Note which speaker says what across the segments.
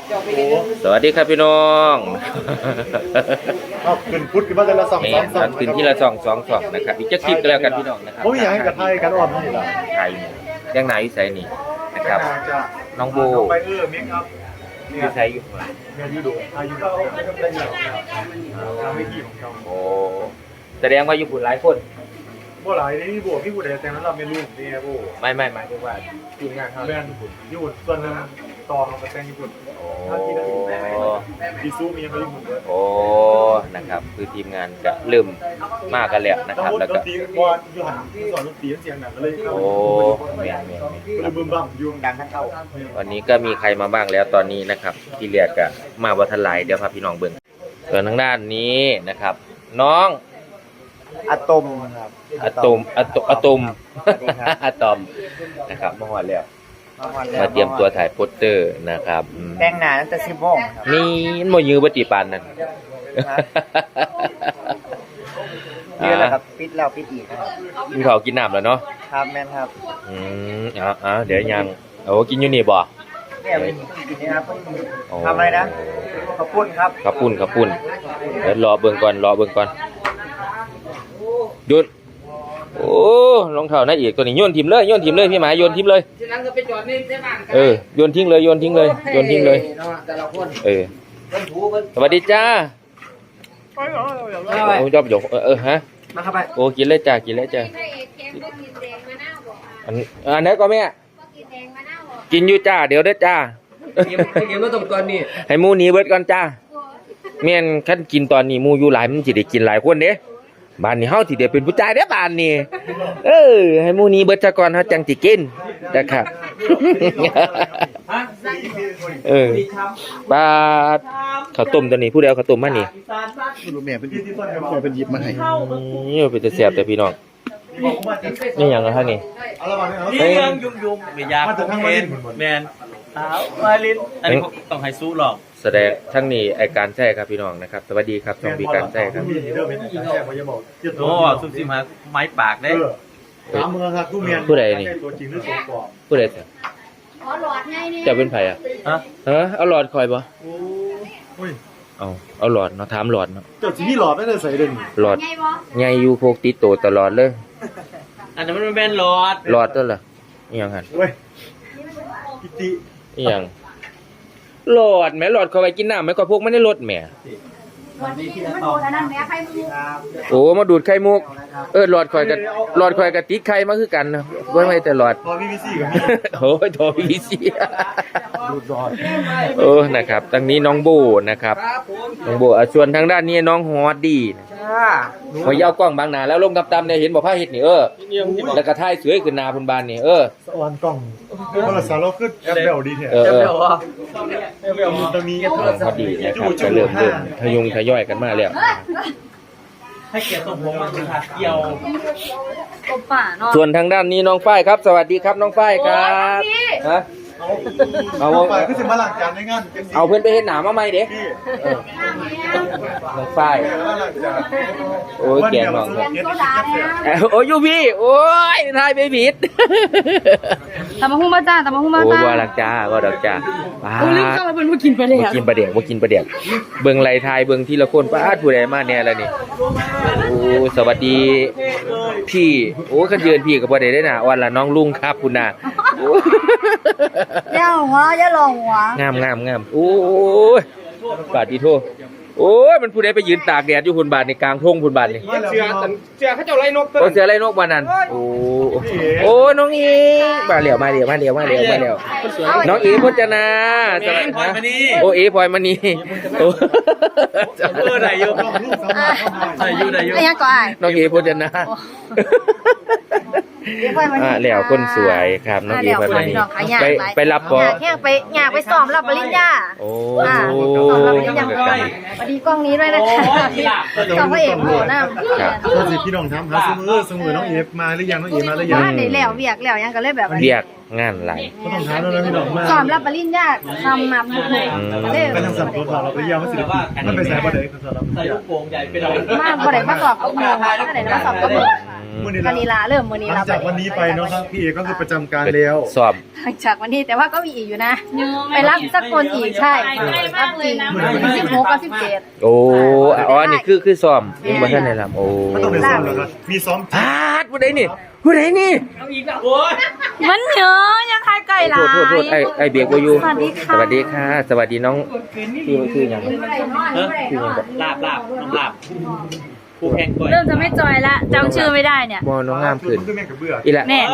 Speaker 1: สวัสดีครับพี่น้อง
Speaker 2: ขึ้นพุทธขึ้นมาแต่ละสอง
Speaker 1: ขึ้นที่ละสองนะครับอีกจะคลิปก็แล้วกันพี่น้องนะครับ
Speaker 2: ผมอยากให้กับไทยกันอ่อนนี่แหละ
Speaker 1: ไทยเรื่องไหนวิสัยนี่นะครับน้องโบ
Speaker 2: ไปมิกครับ
Speaker 1: วิสัยอยู่
Speaker 2: เรียนยูโดอายุได้ยาวทำให้ที่ของเขา
Speaker 1: โอ้แสดงว่าอยู่ปุ่นหลายคน
Speaker 2: โบหลายนี่โบพี่บุตรแต่นั้นเราไม่รู้นี่โบ
Speaker 1: ไม่หมายถึงว่าทีมงานเขา
Speaker 2: แบรนด์ญี่ปุ่นส่วนนึงต่อมาเป็นแบรนด์ญี่ปุ่นถ้าที่นั่นดีซูมีอะไรญี่ปุ่นด้วย
Speaker 1: โอ้นะครับคือทีมงานก็เริ่มมากกันแล้วนะครับแล้วก็
Speaker 2: บอลยูหันสอนดนตรีเสียงหนักเลย
Speaker 1: โอ้แม่
Speaker 2: บึ้มบั่มยูดังทั้งเข้า
Speaker 1: วันนี้ก็มีใครมาบ้างแล้วตอนนี้นะครับที่เรียกก็มาวัฒนไลเดี๋ยวพาพี่น้องเบิ่งส่วนทางด้านนี้นะครับน้อง
Speaker 2: อะตอมครับ
Speaker 1: อะตอมนะครับมาหอดแล้วมาเตรียมตัวถ่ายโปสเตอร์นะครับ
Speaker 2: แต่งหน้าตั้งแต่10 โมง
Speaker 1: นี่มันบ่ยื้อบ่ติปานนั่น
Speaker 2: นี่แหละครับปิดแล้วปิดอีก
Speaker 1: มีข้าวกินน้ำแล้วเนาะ
Speaker 2: ครับแม่นครับ
Speaker 1: เดี๋ยวยังโอ้กินอยู่นี่บ่
Speaker 2: เนี่ยกินนี่ครับทำอะไรนะข้าวปุ้นครับ
Speaker 1: ข้าวปุ้นเดี๋ยวรอเบิ่งก่อนหยุดโอ้รองเท้าน่าอีกตัวนี้โยนทิ้งเลยพี่หมายโยนทิ้งเลย
Speaker 3: ทีนั้นก็ไปจอดนี่ได้บ้าน
Speaker 1: โยนทิ้งเลยสวัสดีจ้าโอ้ยอบหยกฮะ
Speaker 2: มาครับไป
Speaker 1: โอ้กินเลยจ้าอันไหนก็แม่กินอยู่จ้าเดี๋ยวได้จ้า
Speaker 3: เกมมาตรงก่อนนี่
Speaker 1: ให้มูนี้เบิดก่อนจ้าแม่นคันกินตอนนี้มูอยู่หลายมันสิได้กินหลายคนเด้บ้านนี้เฮาสิได้เป็นผู้ชายเด้อบ้านนี้ให้มูนี้เบิดซะก่อนเฮาจังสิกินนะครับปลาข้าวต้มตัวนี้ผู้ใดเอาข้าวต้มมานี่
Speaker 2: แม่เป็นหยิบมาให้
Speaker 1: นี่เป็นจะแซ่บแต่พี่น้องนี่หยังท่านนี่
Speaker 3: นี่ยังยุ่งไม่ยากแมนสาวมาลินอันนี้ต้องให้สู้หรอก
Speaker 1: แสดงทั้งนี้ไอการแท้ครับพี่น้องนะครับสวัสดีครับช่องบีการแท้ครับ
Speaker 3: โอ้ซุ่มซิมฮะไม้ปากได้
Speaker 1: ผู้ใดนี่ผู้ใดจะเป็นไผอ่ะเอาหลอดคอยบ่เอาหลอดเนาะถามหลอดเนาะ
Speaker 2: เจ้าสิมีหลอดไม่ได้ใส่เด่น
Speaker 1: หลอดใหญ่อยู่พกติดโตตลอดเลย
Speaker 3: อันนั้นมันเป็นหล
Speaker 1: อดตัวล่ะอีหยังหั่น
Speaker 2: เว้ยกิติ
Speaker 1: อีหยังหลอดแม่หลอดเข้าไปกินน้ำแม่ก็พวกไม่ได้ลดแม่โอ้มาดูดไข่มุกหลอดคอยกับติ๊กไข่มาคือกันนะไม่แต่หลอด
Speaker 2: ทอพีวีซีกับ
Speaker 1: โอ้ยทอพีวีซีดูดหลอดนะครับตั้งนี้น้องโบนะครับน้องโบส่วนทางด้านนี้น้องฮอดดีพอยาวกล้องบางนาแล้วลงตำๆเนี่ยเห็นบอกผ้าเห็ดนี่แล้วก็ท่ายสวยขึ้นนาพุนบานนี่
Speaker 2: สวรรค์กล้องโทรศัพท์เราขึ้นแอปเบลดีแท้
Speaker 3: แอปเบลวะ
Speaker 2: แอปเบลมันจะมี
Speaker 1: พอดีนะครับจะเริ่มทยอยกันมาแล้ว
Speaker 3: ให้เกียรติสมพงษ์มันคือเกี่ยว
Speaker 1: ส่วนทางด้านนี้น้องฝ้ายครับสวัสดีครับน้องฝ้ายครับฮะ
Speaker 2: เอาไปก็จะมาหลังจานในงาน
Speaker 1: เอาเพื่อนไปเห็นหนามาไหมเด็กน้องฝ้ายโอ้ยแกงน้องโอ้ยยูพี่โอ้ยทายไปผิด
Speaker 4: ตำมะฮุ่งมาจ้า
Speaker 1: โอ้ว่าหลักจ้าว่าดอกจ้า
Speaker 4: โอ้ลืมเข้ามาเป็นผู้กินปลาเดี่ยว
Speaker 1: กินปลาเดี่ยวเบิ่งไหลทายเบิ่งทีละคนป้าผู้ใดมาแน่แล้วนี่โอ้สวัสดีพี่โอ้ขันยืนพี่กับบ่ได้ได้น่ะวันละน้องลุงครับคุณน่ะ
Speaker 4: ย่าหัวย่าหลงหัว
Speaker 1: งามโอ้ยบาดดีโทโอ้ยมันผู้ใดไปยืนตากแดดอยู่พุ่นบาดในกลางทุ่งพุ่นบาดนี่
Speaker 3: เสือเขาเจ้าไรนก
Speaker 1: เสือไรนกบ้านนั้นโอ้น้องอีมาเลี้ยวน้องอีพจนาโอ้เอพลอยมณีโอ้
Speaker 3: ไหนอยู่
Speaker 4: ไอ้ก่อน
Speaker 1: น้องเอพจนาแล้วคนสวยครับน้องเอพลอยมณีไปรับปอ
Speaker 4: ไปสอบรับปริญญา
Speaker 1: โอ้
Speaker 4: สอบรับปริญญาสวัสดีกล้องนี้ด้วยนะคะสองพระเอกโหนะ
Speaker 2: ก็สิพี่น้องทำหาซื้อน้องเอฟมาหรือยังน้องเอมาหรือยัง
Speaker 4: มาได้แล้วเวียกแล้วยังก็เลยแบบ
Speaker 1: เวียกงานไหล
Speaker 2: ก็ต้องหาแล้วพี่น้องมา
Speaker 4: สอบรับปริญญาทำมาบุกเลย
Speaker 2: ก็ต้องสับตัวเราไปยาวมาสิมันไปใส่บ่ได้ก็สอบรับ
Speaker 3: ใส่ลูกโป่งใหญ่ไปเลย
Speaker 4: มาบ่ได้มาสอบก็โมงก็ได้มาสอบก็โมง
Speaker 2: มื้อนี้
Speaker 4: กานีลาเริ่มมื้อนี้
Speaker 2: หลั
Speaker 4: เรา
Speaker 2: งจากวันนี้ไปเนาะครับพี่เอกก็คือประจำการแล้ว
Speaker 1: สอบ
Speaker 4: หลังจากวันนี้แต่ว่าก็มีอีกอยู่นะ ไปรับสักคนอีกใช่รับจริง16กับ17
Speaker 1: โอ้อ๋อนี่คือซ้อมยังบ่ทันได้รับโอ้
Speaker 2: ไม่ต้องไปซ้อมแล้วครับมีซ้อม
Speaker 1: พาดผู้ใดนี่ผู้ใดนี่
Speaker 3: โอ้ย
Speaker 4: มันเยอะยังทายไก่หลาย
Speaker 1: โทษไอ้เบียกบ่อยู่
Speaker 4: สวัสดีค่ะ
Speaker 1: สวัสดีค่ะ สวัสดีน้องคือหยัง
Speaker 3: ลาบน้องลาบผู้แข่งก่อย
Speaker 4: เริ่มจะไม่จอยละจำชื่อไม่ได้เนี่ย
Speaker 1: บ่น้องงามขึ้น
Speaker 2: คือแม่กับเบื่อ
Speaker 1: อีละ
Speaker 4: แน่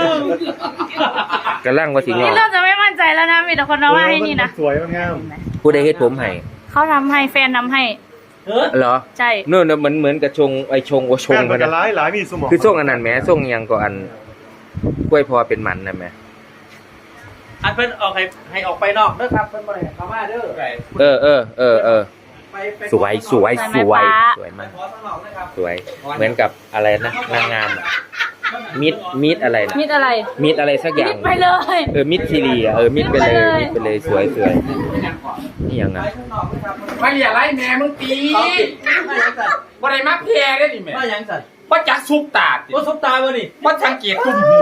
Speaker 1: กำลังว่าสิงอ
Speaker 4: นี่เริ่มจะไม่มั่นใจแล้วนะมีแต่คนมาว่าให้นี่นะ
Speaker 2: สวยมันงาม
Speaker 1: ผู้ใดเฮ็ดผมให้
Speaker 4: เขาทำให้แฟนทำให้
Speaker 1: เหรอ
Speaker 4: ใช่
Speaker 1: นู่นน่ะเหมือนกับชงไอ้ชงโอชง
Speaker 2: แม่
Speaker 1: พุ่
Speaker 2: มัน นก็
Speaker 1: น่ะ
Speaker 2: หลายมีสมอง
Speaker 1: คือส่งอันนั้นแหมส่งหยังก็อันกล้วยพอเป็นมันนะแหม
Speaker 3: อันเพิ่นออกให้ออกไปนอกเด้อครับเพิ่นบ่ได้เข้ามาเด้อ
Speaker 1: สวยสวยสวยสวยมาก
Speaker 3: ขอข้างนอกนะครับ
Speaker 1: สวยเหมือนกับอะไรนะนางงามอะมิดอะไรนะ
Speaker 4: มิดอะไร
Speaker 1: มิดอะไรสักอย่าง
Speaker 4: ไปเลย
Speaker 1: มิดทีรีอ่ะมิดไปเลยมิดไปเลยสวยสวยนี่ยังไง
Speaker 3: ข้างนอกนะครับ
Speaker 5: มาอย่าไล่แม่มึงตี
Speaker 3: เขาติดมายังสั่น
Speaker 5: บ่ได้มาแพ้ได้ดิแม่
Speaker 3: มายังสั่น
Speaker 5: ว่าจักซุปตาติ
Speaker 3: ว่าซุปตาบ่นี่
Speaker 5: ว่าสังเกตตุ่มหู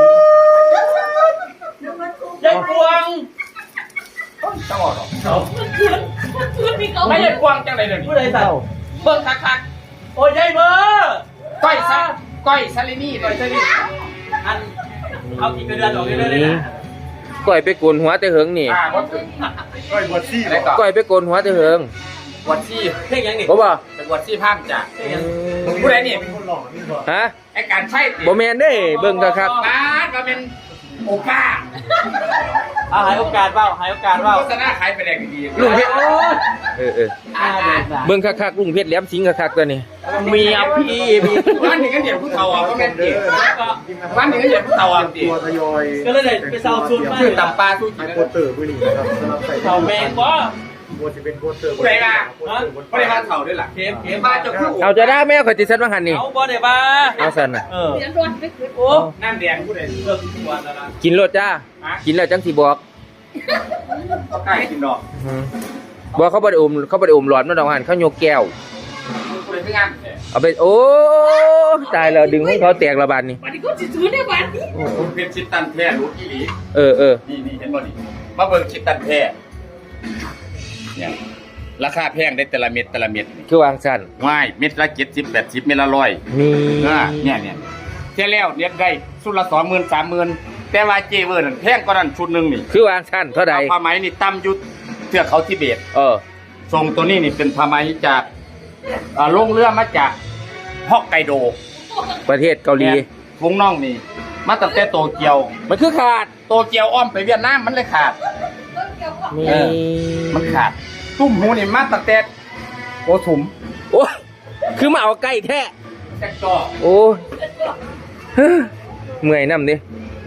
Speaker 3: ยายพวง
Speaker 5: จังหวะหรอ
Speaker 3: เขา
Speaker 5: ไม่ใช่กวางจังไรเลย
Speaker 3: ผู้ใดสั่น
Speaker 5: เบิ่งคัก
Speaker 3: โอ้ยยายเบอร์
Speaker 5: ๆก้อยซาลินี่เลย
Speaker 3: อันเอากี่กระเดือนออกเลยเลยนะ
Speaker 1: ก้อยไปโกนหัวแต่เหิงนี่
Speaker 5: บ่ถึง
Speaker 2: ก้อยบวชซี่
Speaker 5: อะไรต่อ
Speaker 1: ก้อยไปโกนหัวแต่เหิง
Speaker 5: บวชซี่
Speaker 3: เพลงยังนี่
Speaker 1: บ่บ่
Speaker 5: ไปบวชซี่ภาพจ้ะผู้ใดนี่
Speaker 2: คนหล่อนี่ก่อน
Speaker 1: ฮะ
Speaker 5: ไอ้การใช่
Speaker 1: บ่แม่นเด้เบิ่งคัก
Speaker 5: ร้านมาเป็นโอป้า
Speaker 3: เอาหายโอกาสเปล่าหายโอกาสเปล่า
Speaker 5: โฆษณาขายไปแดงดี
Speaker 1: ลุงเพชรเออ
Speaker 3: อ่าเด็ดนะ
Speaker 1: เบิ่งคักๆลุงเพชรแหลมสิงห์คักๆตัวนี้
Speaker 3: เมียพี่มี
Speaker 5: วันนี้ก็เดี๋ยวผู้เฒ่าอ่ะก็แม่นติวันนี้ก็เดี๋ยวผู้เฒ่าอ่ะติ
Speaker 2: ตัวทยอย
Speaker 3: ก็เลยไปเซาซุนมา
Speaker 5: ชื่อตำปลาสู้กิ
Speaker 2: ขาย
Speaker 5: น
Speaker 2: โปสเตอร์มื้อนี้นะครับสำหรับใส่
Speaker 3: เซาแมงบ่
Speaker 2: บัวจะเป็นโปสเตอร์
Speaker 5: ผู้ใดล่ะผู้ใดมาเฒ่าด้วยล่ะ
Speaker 3: เข็มเข็ม
Speaker 5: มาจะคู่
Speaker 1: เอาจะได้แม่ข่อยติซันว่าหันนี่
Speaker 3: เอาบ่ได้บ้า
Speaker 1: เอาซั่นน่ะ
Speaker 3: เออโอ้
Speaker 5: น้ำแดงผู้ใด
Speaker 3: เลิกทุกวันแล้วนะ
Speaker 1: กินรสจ้า กินแล้วจังสิบอก
Speaker 5: ใกล้กินดอก
Speaker 1: บอกเขาบ่ได้อมหลอดมาดอกหันเขาโยกแก้ว
Speaker 5: ผู้ใดที่งาน
Speaker 1: เอาไปโอ้ตายแล้วดึงให้เขาแตกระบาดนี่
Speaker 5: ผมเป็นชิดตันแท้รู้กี่หลี
Speaker 1: เออ
Speaker 5: นี่เห็นบ่นี่มาเบิ่งชิดตันแท้เนี่ยราคาแพงได้แต่ละเม็ดนี่
Speaker 1: คือวางสั้น
Speaker 5: ง่ายเม็ดละ70 80เม็ดละ100
Speaker 1: มี
Speaker 5: เนี่ยเท่าแล้วเนี่ยได้ชุดละ20,000 30,000แต่ว่าเจเวอร์นั่นแพงกว่านั้นชุดหนึงนี่
Speaker 1: คือวางสั้นเท่าใด
Speaker 5: ผ้าไหมนี่ต่ำอยู่เทือกเขาทิเบต
Speaker 1: เออ
Speaker 5: ทรงตัวนี้นี่เป็นผ้าไหมจากลงเรือมาจากฮอกไกโด
Speaker 1: ประเทศเกาหลี
Speaker 5: วงน้องนี่มาตั้งแต่โตเกียว
Speaker 1: มันคือขาด
Speaker 5: โตเกียวอ้อมไปเวียดนามมันเลยขาด
Speaker 1: มี
Speaker 5: เออ มันขาด ตุ้มหูนี่มาตั้งแต่โกสุม
Speaker 1: โอ้คือมาเอาใกล้แท้
Speaker 5: แจ็คจอ
Speaker 1: โอ้เฮ้อเมื่อยน้ำดิ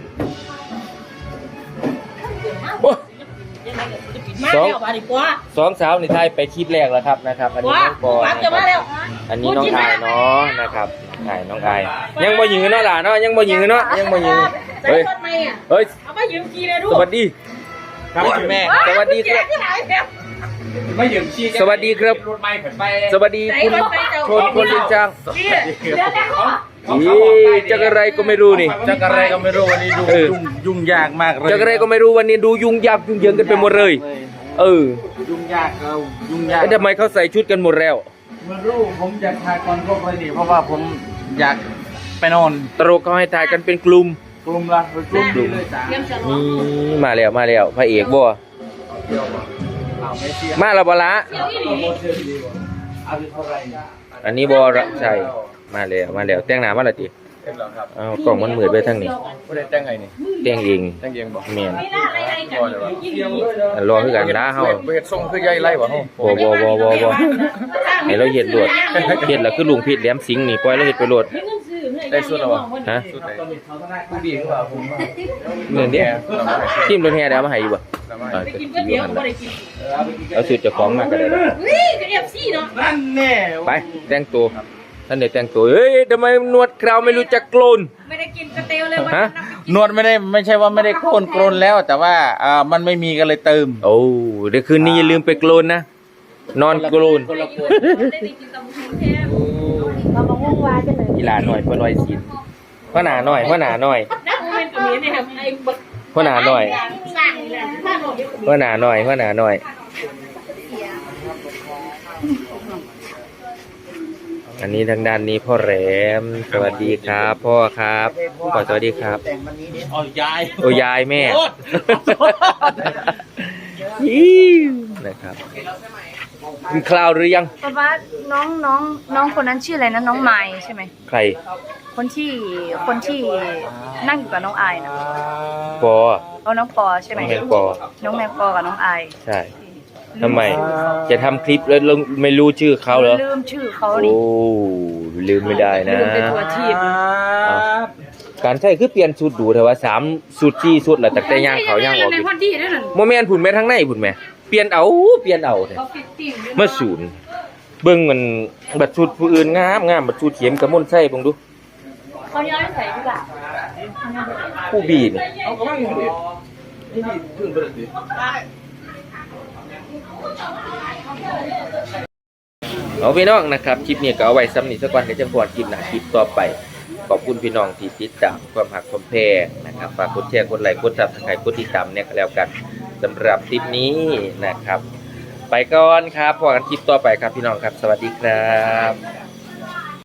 Speaker 1: โอ้สองสาวในไทยไปคลิปแรกแล้วครับนะครับ อันนี้น้องปอนะครับอันนี้น้องอายเนาะนะครับน้องอายยังบ่ยืนเนาะหล่ะเนาะยังบ่ยืนเนาะยังบ่ยืนเฮ้ยเฮ้ย
Speaker 4: เอาไปยืมกีเลยดู
Speaker 1: สวัสดี
Speaker 5: ครับคุณแม่
Speaker 1: สวัสดีครับ
Speaker 5: ไม่ยืมชี้
Speaker 1: สวัสดีครับ
Speaker 5: รถไม้ขึ้นไป
Speaker 1: สวัสดีคุณชนคนลินจังจักอะไรก็ไม่รู้นี่
Speaker 3: จักอะไรก็ไม่รู้วันนี้ดู
Speaker 1: เออ
Speaker 3: ยุ่งยากมากเลย
Speaker 1: จักอะไรก็ไม่รู้วันนี้ดูยุ่งยากยุ่งเหยิงกันไปหมดเลย เออ
Speaker 3: ยุ่งยากเรายุ่งยาก
Speaker 1: แล้วทำไมเขาใส่ชุดกันหมดแล้ว
Speaker 3: ไม่รู้ผมอยากทายก่อนพวกเลยนี่เพราะว่าผมอยากไปนอน
Speaker 1: ตลกเขาให้ถ่ายกันเป็นกลุ่ม
Speaker 3: กลุ่มละกลุ่มดีเลยจ้า
Speaker 1: นี่มาแล้วพระเอกบ่มาแล้วบ่ละ
Speaker 3: เอาเท่าไหร่
Speaker 1: อันนี้บ่ละใช่มาแล้วแต่งหน้ามาแล้วติ
Speaker 2: เต็มแล้วครับ
Speaker 1: อ้าวกล้องมันมืดไปทางนี้
Speaker 2: บ่ได้แต่งไงนี่
Speaker 1: แต่งเอง
Speaker 2: แต่งเองบ่
Speaker 1: แม่น
Speaker 2: บ่เลยว่ะ
Speaker 1: รอคือกันนะเฮา
Speaker 2: บ่เฮ็ดทรงคือใหญ่ไล่บ่เฮา
Speaker 1: บ่ให้เราเฮ็ดโลดเฮ็ดแล้วคือลุงพิษแหลมสิงห์นี่ปล่อยเราเฮ็ดไปโลด
Speaker 2: ได้สุดแล้วบ่
Speaker 1: ฮะ
Speaker 2: สุดไหนผู้ดีคือว่าผมว่า
Speaker 1: เงินเด้ทีมรถแห่ได้เอามาให้อยู่บ่
Speaker 2: สามารถ
Speaker 1: ก็สิอยู่หั่นล่ะเอาสุดเจ้าของมาก็ได้ล่ะ
Speaker 3: นั่นแน่
Speaker 1: ไปแต่งตัวท่านได้แต่งตัวเฮ้ยทำไมหนวดเคราวไม่รู้จักโกน
Speaker 4: ไม่ได้กินกระเตียวเลย
Speaker 1: ฮะ
Speaker 3: นวดไม่ใช่ว่าไม่ได้โกนแล้ว แต่ว่ามันไม่มีก็เลยเติม
Speaker 1: โอ้เดี๋ยวคืนนี้อย่าลืมไปโกนนะ นอนโกน
Speaker 4: ได้กินตำบักหุ่งแทนเรามาวุ่นวายกันเลย
Speaker 1: กีฬาหน่อยเพื่อร้อยสินหัวหน้าหน่อยหัวหน้าหน่อย
Speaker 6: นักเรียนกับนี้เนี่ยครับไอ้บัก
Speaker 1: หัวหน้าหน่อย
Speaker 6: สั่งเลยถ้าหมด
Speaker 1: หัวหน้าหน่อยหัวหน้าหน่อยอันนี้ทางด้านนี้พ่อแหลมสวัสดีครับพ่อครับพ่อสวัสดีครับ
Speaker 3: อ๋อยาย
Speaker 1: โอ้ยายแม่
Speaker 3: โอ๊ย
Speaker 1: นะครับกินข้าวหรือยัง
Speaker 4: เพราะว่าน้องคนนั้นชื่ออะไรนะน้องไม้ใช่ไหม
Speaker 1: ใคร
Speaker 4: คนที่นั่งอยู่กับน้องอายนะ
Speaker 1: ปอ
Speaker 4: เอาน้องปอใช่ไหม
Speaker 1: น้องแมงปอ
Speaker 4: น้องแมงปอกับน้องอาย
Speaker 1: ใช่ทำไม จะทำคลิปแล้วไม่รู้ชื่อเขาเหรอ
Speaker 4: ลืมชื่อเขา
Speaker 1: โอ้
Speaker 4: นี่
Speaker 1: ลืมไม่ได้นะ
Speaker 4: ลืมไปตัวทีบ
Speaker 1: การใช้คือเปลี่ยนสูตรดูแต่ว่า3สูตร4สูตรแล้วแต่ย่างเขาย่างออก
Speaker 6: ใน
Speaker 1: อยู่
Speaker 6: วันที่ได้หนึ่ง
Speaker 1: โมเมนต์ผุนแม่ทั้งในผุนแม่เปลี่ยนเอาเถอะ
Speaker 6: เขาฟิตติ้ง
Speaker 1: เมื่อศูนย์เบิ่งมันบัดสูตรผู้อื่นงามบัดสูตรเข็มกระมนใส่เบิ่งดู
Speaker 6: เขาย้อยใส่พี่ละ
Speaker 1: ผู้บีนี่เอาพี่น้องนะครับคลิปนี้ก็เอาไว้ซ้ำนี่สักวันเดี๋ยวจะพอดคลิปหน้าคลิปต่อไปขอบคุณพี่น้องที่ติดตามความหักความแพงนะครับฝากกดแชร์กดไลค์กดซับสไครต์กดติดตามเนี่ยก็แล้วกันสำหรับคลิปนี้นะครับ ไปก่อนครับพอกันคลิปต่อไปครับพี่น้องครับสวัสดีครับ